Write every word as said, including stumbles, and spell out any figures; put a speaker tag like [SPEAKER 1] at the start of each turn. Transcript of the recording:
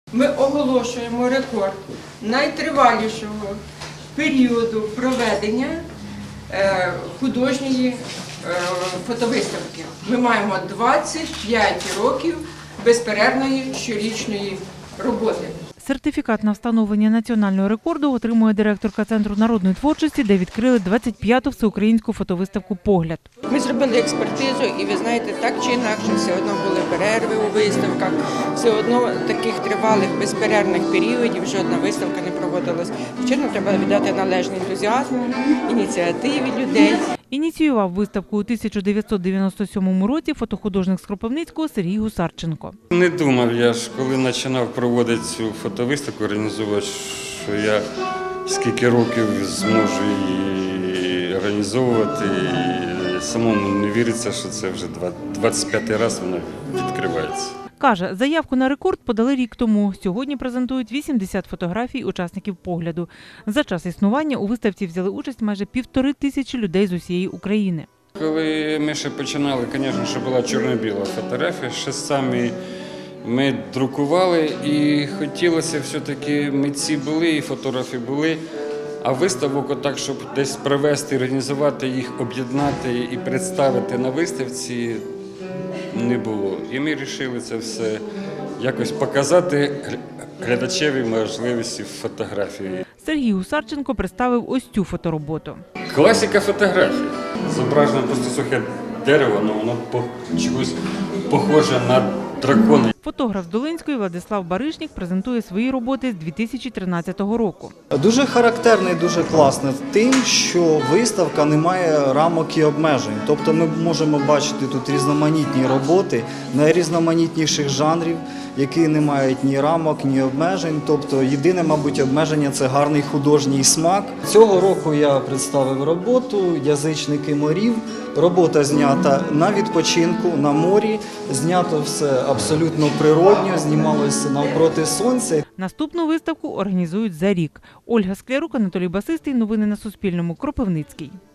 [SPEAKER 1] Ми оголошуємо рекорд найтривалішого періоду проведення е, художньої е, фотовиставки. Ми маємо двадцять п'ять років безперервної щорічної роботи.
[SPEAKER 2] Сертифікат на встановлення національного рекорду отримує директорка Центру народної творчості, де відкрили двадцять п'яту всеукраїнську фотовиставку «Погляд».
[SPEAKER 1] Ми зробили експертизу і, ви знаєте, так чи інакше, все одно були перерви у виставках, все одно таких тривалих безперервних періодів жодна виставка не проводилась. Звичайно, треба віддати належний ентузіазм, ініціативі людей.
[SPEAKER 2] Ініціював виставку у тисяча дев'ятсот дев'яносто сьомому році фотохудожник з Кропивницького Сергій Гусарченко.
[SPEAKER 3] Не думав я ж, коли починав проводити цю фотовиставку, організувати, що я скільки років зможу її організовувати. І самому не віриться, що це вже двадцять п'ятий раз вона відкривається.
[SPEAKER 2] Каже, заявку на рекорд подали рік тому. Сьогодні презентують вісімдесят фотографій учасників «Погляду». За час існування у виставці взяли участь майже півтори тисячі людей з усієї України.
[SPEAKER 3] Коли ми ще починали, звісно, що була чорно-біла фотографія, ще самі ми друкували і хотілося все-таки, митці були і фотографи були, а виставок отак, щоб десь провести, організувати їх, об'єднати і представити на виставці, не було. І ми вирішили це все якось показати глядачеві можливості фотографії.
[SPEAKER 2] Сергій Гусарченко представив ось цю фотороботу.
[SPEAKER 3] Класика фотографії. Зображено просто сухе дерево, але воно по чогось похоже на дракона.
[SPEAKER 2] Фотограф з Долинської Владислав Баришнік презентує свої роботи з дві тисячі тринадцятого року.
[SPEAKER 4] Дуже характерно і дуже класно тим, що виставка не має рамок і обмежень. Тобто ми можемо бачити тут різноманітні роботи найрізноманітніших жанрів, які не мають ні рамок, ні обмежень. Тобто єдине, мабуть, обмеження – це гарний художній смак. Цього року я представив роботу «Язичники морів». Робота знята на відпочинку, на морі, знято все абсолютно природньо, знімалося навпроти сонця.
[SPEAKER 2] Наступну виставку організують за рік. Ольга Склярук, Анатолій Басистий. Новини на Суспільному. Кропивницький.